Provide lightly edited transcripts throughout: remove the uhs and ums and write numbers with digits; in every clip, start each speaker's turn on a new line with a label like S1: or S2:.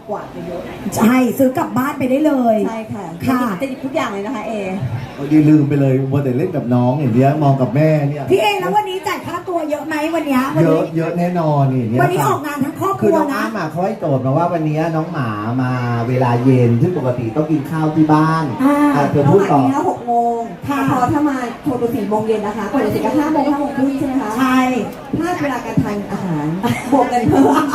S1: กวาดไปเยอะ
S2: ใช่ซื้อกลับบ้านไปได้เลย
S1: ใช่ค่ะ
S2: ค่ะ
S1: จะหยิบทุกอย่างเลยนะคะ
S3: ยืนลืมไปเลยว่าแต่เล่นกับน้องอย่างเนี้ยมองกับแม่เนี่ย
S2: พี่เอแล้ววันนี้จ่ายค่าตัวเยอะไหมวันนี้
S3: เยอะแน่นอนนี่
S2: วันนี้ออกงานทั้งครอบค
S3: คือ
S2: รัว
S3: น้อง
S2: นะ
S3: อ้ามาเขาให้โจทย์มาว่าวันนี้น้องหมามาเวลาเย็นซึ่งปกติต้องกินข้าวที่บ้านเธอพูดต่อ
S1: 6 โมงพอถ้ามาโชว์ตัว4 โมงเย็นนะคะก่อนจะเสร็จก็5 โมง5 โมงครึ่งใช่ไหมคะ
S2: ใช่
S1: พลาดเวลาการทานอาหารบวกกันเพิ่ม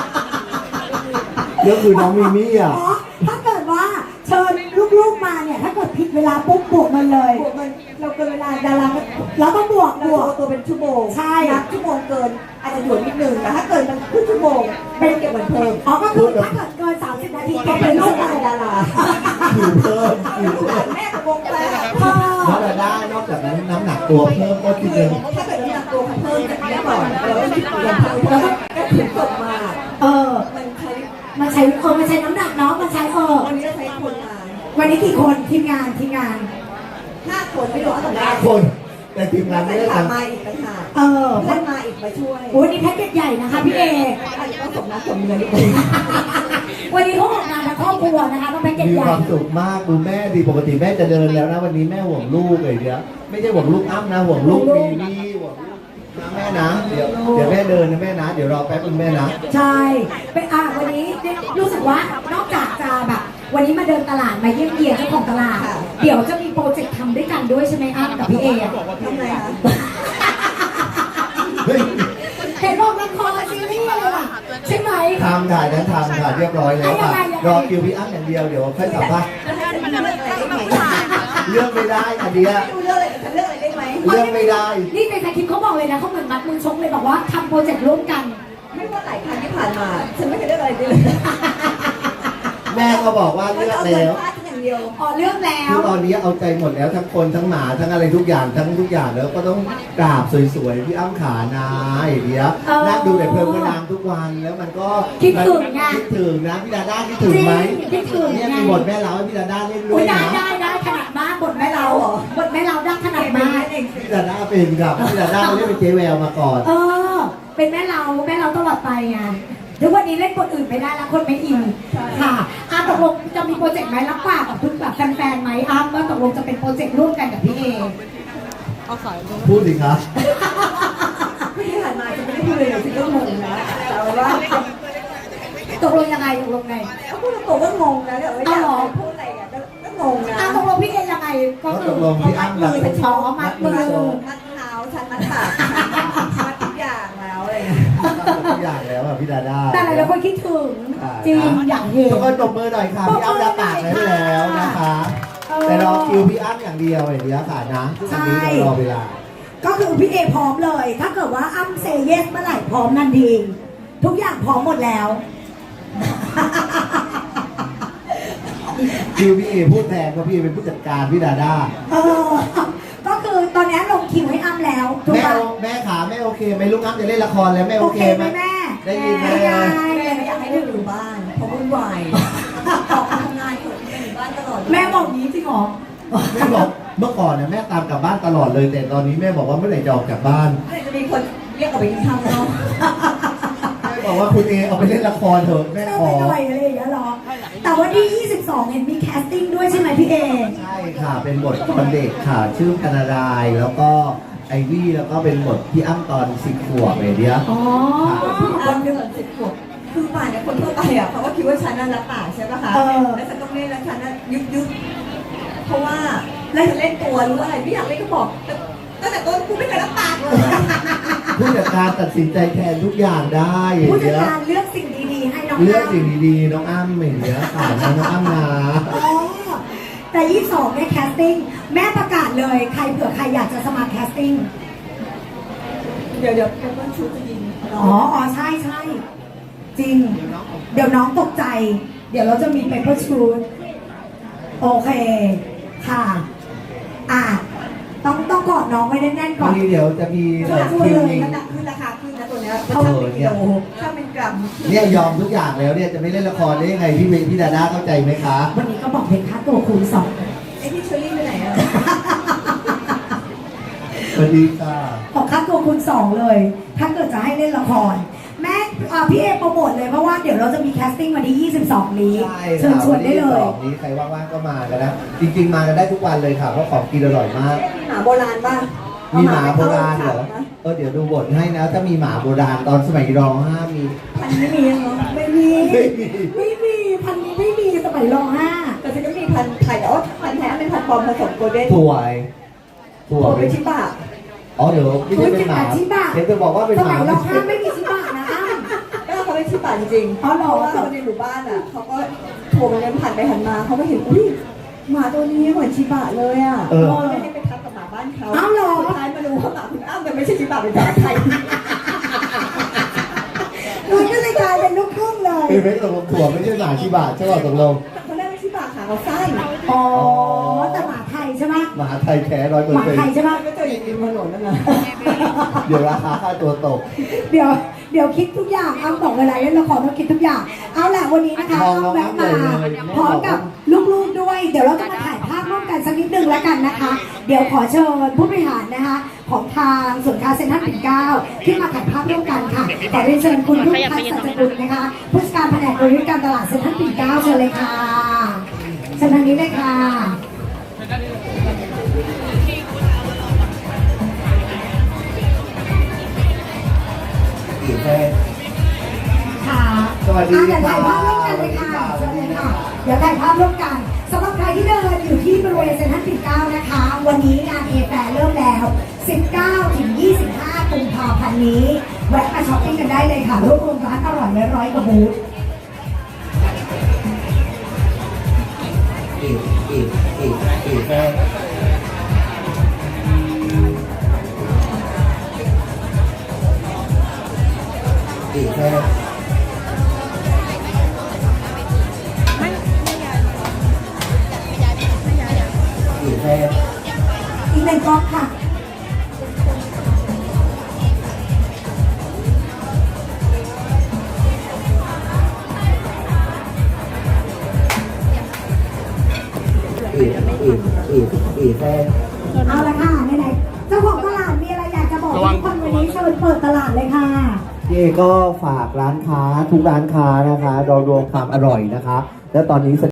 S3: เรื่องคือน้องมิมี่อ่ะ
S2: ถ้าเกิดว่าเชิญลูกๆมาเนี่ยถ้าเกิดผิดเวลาปุ๊บบวกมันเลย
S1: บวกมันเราเกินเวลาดารา
S2: เราต้องบวก
S1: ตัวเป็นชั่วโมง
S2: ใช่
S1: นับชั่วโมงเกินอาจจะหยวนนิดนึงแต่ถ้าเกินมันครึ่งชั่วโมงเป็นเก็บเหมือนเพิ่ม
S2: ก็คือถ้าเกิดเกิน30 นาทีก็เป็นลูก
S1: ดารา
S3: อยู่เพิ่ม
S1: แม่วงแปล
S3: น้องดาด้านอกจากนั้นน้ำหนักตัวเพิ่มก็คิดเลย
S1: ถ้าเกิดน้ำหนักตัวเพิ่มจากนี้ก่อนเราต้องคิดเงินเพิ่มแล้วก็ถึงจบมา
S2: มันใช้น้ำหนักเนาะมันใช้
S1: วันนี้จะใช้คนมา
S2: วันนี้กี่คนทีมงาน
S1: 5 คนไม่รู้เอาแต่
S3: 5 คนแต่ทีมงานไม่ได้ทำ
S1: มาอีกต่างหาก
S2: เพื่อน
S1: มาอีกมาช่วย
S2: วันนี้แพ็กเกจใหญ่นะคะพี่เอ
S1: อาจจะต้องสมน้ำสมเนื้อนิดนึง
S2: วันนี้เขาออกงานทั้งครอบครัวนะคะต้องแพ็กเกจใหญ่
S3: มีความสุขมากดูแม่ดีปกติแม่จะเดินแล้วนะวันนี้แม่ห่วงลูกเลยเดี๋ยวไม่ใช่ห่วงลูกอ้ำนะห่วงลูกมีนี่ห่วงนะแม่นะเดี๋ยวแม่เดินนะแม่นะเดี๋ยวรอแป๊บนึงแม่นะ
S2: ใช่เป็นวันนี้รู้สึกว่านอกจากจะแบบวันนี้มาเดินตลาดมาเยี่ยมเยียนเจ้าของตลาดเดี๋ยวจะมีโปรเจกต์ทำด้วยกันด้วยใช่ไหมอ้ำกับพี่เอ
S1: ทำไงคะ
S2: เห็นบอกละครซีรีส์อะไรล่ะใช่ไหม
S3: ทำถ่ายนั้นทำถ่ายเรียบร้อยแล้วค่ะรอคิวพี่อ้ำอย่างเดียวเดี๋ยวค่อยสัมภาษณ์เลือกไม่ได้อันเดีย
S1: เลือกอะไรได้ไหม
S3: เลือกไม่ได้
S2: นี่ในสคริปต์เขาบอกเลยนะเขาเหมือนมัดมือชกเลยบอกว่าทำโปรเจกต์ร่วมกัน
S1: ไม่ว่าหลายครั้งที่ผ่านมาฉันไม่เคยเลือกอะไรเลย
S3: แม่ก็บอกว่าเลือกแล้ว
S2: เลือกแล้ว
S3: คือตอนนี้เอาใจหมดแล้วทั้งคนทั้งหมาทั้งอะไรทุกอย่างแล้วก็ต้องกราบสวยๆพี่อ้ำขานาเดี๋ยวนั่งดูแต่เพลินนางทุกวันแล้วมันก็
S2: คิดถึงนะ
S3: พี่ดาด้าคิดถึงไหม
S2: คิดถึง
S3: เนี่ยมีบทแม่เล้าให้พี่ดาด้าเล่นด้วยนะ
S2: ได้ขนาดมากบทแม่เล้าได้ขนาดมาก
S3: พี่ดาด้าเป็นกับพี่ดาด้าเล่นเป็นเจ๊แววมาก่อน
S2: เป็นแม่เล้าตลอดไปไงทุกวันนี้เล่นบทอื่นไม่ได้แล้วคนไม่อินค่ะตกลงจะมีโปรเจกต์ไหมรับปากกับทุกแบบแฟนๆไหมว่าตกลงจะเป็นโปรเจกต์ร่วมกันกับพี่เอ
S3: พูดสิครับ
S1: ที่ผ่านมาจะไม่ได้พูดเลยฉันก็งงนะแต่ว่า
S2: ตกลงยังไง
S1: พูดตรงก็งงนะเดี๋ยวไม่อยากพูดอะไรอ่ะก็งงนะ
S2: ตกลงพี่เอยังไงก็คือ
S3: มัดมือ
S2: เป็นช้อมัดมือ
S1: มัดเท้าฉันมัดปากมัดทุกอย่างแล้วอะไร
S3: ทุกอย่างแล้วอ่ะพี่ดาด้า
S2: แต่หลายคนคิดถึงจริงอย่างเห็น
S3: ทุกคนตบมือหน่อยค่ะพี่อ้ำรับปากไว้แล้วนะคะแต่รอคิวพี่อ้ำอย่างเดียวอย่างเดียวค่ะนะทุกวันนี้เรารอเวลา
S2: ก็คือพี่เอพร้อมเลยถ้าเกิดว่าอ้ำเซเยสเมื่อไหร่พร้อมทันทีทุกอย่างพร้อมหมดแล้ว
S3: คิวพี่เอพูดแทนเพราะพี่เป็นผู้จัดการพี่ดาด้า
S2: ก็คือตอนนี้ลงคิวให้อ้ำแล้ว
S3: แม่ขาแม่โอเคไหมลูกอ้ำจะเล่นละครแล้วแม่โอเคไหม
S2: แม่
S3: ได้ยินไหม
S1: ไม่อยากให้ลูกอยู่บ้านเพราะวุ่นวายออกทำงานอยู่บ้านตลอด
S2: แม่บอกนี้จริงหรอ
S3: แม่บอกเมื่อก่อนเนี่ยแม่ตามกลับบ้านตลอดเลยแต่ตอนนี้แม่บอกว่าเมื่อไหร่จะออกจากบ้าน
S1: จะมีคนเรียกออกไปกินข้าวเนาะ
S3: แม่บอกว่าคุณเอเอาไปเล่นละครเถอะแม่ขอ
S2: อะไรอย่างเงี้ยหรอแต่วันที่22เห็นมีแคสติ้งด้วยใช่ไหมพี่เอ
S3: ใช่ค่ะเป็นบทคนเด็กค่ะชื่อธนารายแล้วก็ไอวี่แล้วก็เป็นบทพี่อ้ำตอน10 ขวบเดียว
S1: ตอน10 ขวบคือป่านเนี่ยคนทั่วไปอ่ะเขาก็คิดว่าฉันนั่นรับปากใช่ป่ะคะแล้วฉันต้องเล่นแล้วฉันน่ะยุบเพราะว่าแล้วฉันเล่นตัวรู้อะไรไม่อยากเล่นก็บอกตั้งแต่ต้นกูไม่เคยรับปากเลย
S3: ผู้จัดการตัดสินใจแทนทุกอย่างได้
S2: ผู้จัดการเลือกสิ่งดีๆให้น้อง
S3: เลือกสิ่งดีๆน้องอ้ำอย่างเงี้ยค่ะน้องอ้ำนะ
S2: แต่22เนี่ยแคสติ้งแม่ประกาศเลยใครเผื่อใครอยากจะสมัครแคสติ้ง
S1: เดี๋ยวเป็นชุดจะยิง
S2: ใช่จริงเดี๋ยวน้องตกใจเดี๋ยวเราจะมีเปเปอร์ชูดโอเคค่ะต้องกอดน้องไว้แน่นๆก่อน
S3: เดี๋ยวจะมี
S1: คิวนี้ขึ้นราคาขึ้นนะตัวนี้ถ้าเป็นกิโลถ้าเป็นกรัม
S3: เนี่ยยอมทุกอย่างแล้วเนี่ยจะไม่เล่นละครได้ยังไงพี่ดาด้าเข้าใจไหมคะ
S2: วันนี้ก็บอกเพลงค่าตัวคูณ
S1: 2ไอ้พี่เชอรี่ไปไหนอ่ะ
S3: สวัสดีค่ะ
S2: บอกค่าตัวคูณ2เลยถ้าเกิดจะให้เล่นละครแม่พี่เอโปรโมทเลยเพราะว่าเดี๋ยวเราจะมีแคสติ้งวันที่22 นี้
S3: ใช่
S2: เชิญชวนได้เลย
S3: วันที่22นี้ใครว่างๆก็มากันนะ จริงๆมากันได้ทุกวันเลยค่ะเพราะของกินอร่อยมาก
S1: มีหมาโบราณป่ะ
S3: มีหมาโบราณเหรอเดี๋ยวดูบทให้นะ ถ้ามีหมาโบราณตอนสมัยร.5มี
S1: พันนี้มียังเนาะไม่มี
S2: ไม่มีพันนี้ไม่มีสมัยร.5
S1: แต่ฉันก็มีพันไทยแต่ว่าพันแท้เป็นพันปลอมผสมโกลเด้น
S3: ถั่วถั่ว
S1: โกล
S3: เป็
S1: เป็น นชิบะ
S3: อ๋อเดี๋ยวไม่ใช่เป็นหมา
S2: ชิบะ
S3: เดี๋ยวจะบอกว่าเป็น
S2: ส
S3: ห
S2: มั
S3: มาย
S2: ร.5ไม่มีชิบะนะอ้ำ
S1: ก็เขาเป็นชิบะจริงๆ
S2: อ๋อเหรอ
S1: เพราะว่าคนในหมู่บ้านอ่ะเขาก็โทรมาเดินผ่านไปหันมาเขาก็เห็นอุ้ยหมาตัวนี้เหมือนชิบะเลยอ่ะก็เลยให้ไปทับกับหมาบ้านเขา
S2: อ้าวเหรอ
S1: สุดท้ายมารู้ว่าหมาคุณอ้ำมันไม่ใช่ชิบะเป็นหมาไทย
S2: มันก็เลยกลายเป็นลูกครึ่งเลย
S3: เป็นไม่ตกลงถั่วไม่ใช่หมาชิบะใช่ป่ะตกลง
S1: เขาเรียกว่าชิบะขาเขาสั้น
S2: อ๋อแต่หมาไทยใช่ไหม
S3: หมาไทยแท้100%
S2: หมาไทยใช่ไหม
S1: ก็เจออย่างนี้มาหล่นนั่นแหละ
S3: เดี๋ยวราคาค่าตัวตก
S2: เดี๋ยวคิดทุกอย่างอ้ำบอกเวลาเล่นละครต้องคิดทุกอย่างเอาแหละวันนี้นะคะ
S3: มอง
S2: อ้ำแวะมา
S3: น้องๆเลย
S2: พร้อมกับลูกๆด้วย เดี๋ยวเราจะมาถ่ายภาพร่วมกันสักนิดนึงแล้วกันนะคะ เดี๋ยวขอเชิญผู้บริหารนะคะของทางส่วนย์การเซ็นทรัลปิ่นเกล้าขึ้นมาถ่ายภาพร่วมกันค่ะขอเรียนเชิญคุณรุ่งทัศน์สัจจกุลนะคะผู้จัดการแผนกบริหารการตลาดเซ็นทรัลปิ่นเกล้าเชิญเลยค่ะเชิญทางนี้เลยค่ะ
S3: อีกแค่
S2: ค่ะ
S3: สวัสดี
S2: เดี๋ยวถ่ายภาพร่วมกันเลยค่ะ
S3: ค่ะ
S2: เชิญเลยค่ะ เดี๋ยวถ่ายภาพร่วมกันสำหรับใครที่เดินอยู่ที่บริเวณเซ็นทรัลปิ่นเกล้านะคะ วันนี้งานเอแฟร์เริ่มแล้ว 19 ถึง 25 กุมภาพันธ์นี้ แวะมาช้อปปิ้งกันได้เลยค่ะรวบรวมร้านอร่อยไว้100 กว่าบูธ
S3: อีกแค่อีกแค่อีกแค่
S2: อีกหนึ่งกล้องค่ะ
S3: อีกแค่
S2: เอาละค่ะไหนๆเจ้าของตลาดมีอะไรอยากจะบอกทุกคนวันนี้เชิญเปิดตลาดเลยค่ะ
S3: พี่เอก็ฝากร้านค้าทุกร้านค้านะคะเรารวมความอร่อยนะคะ และตอนนี้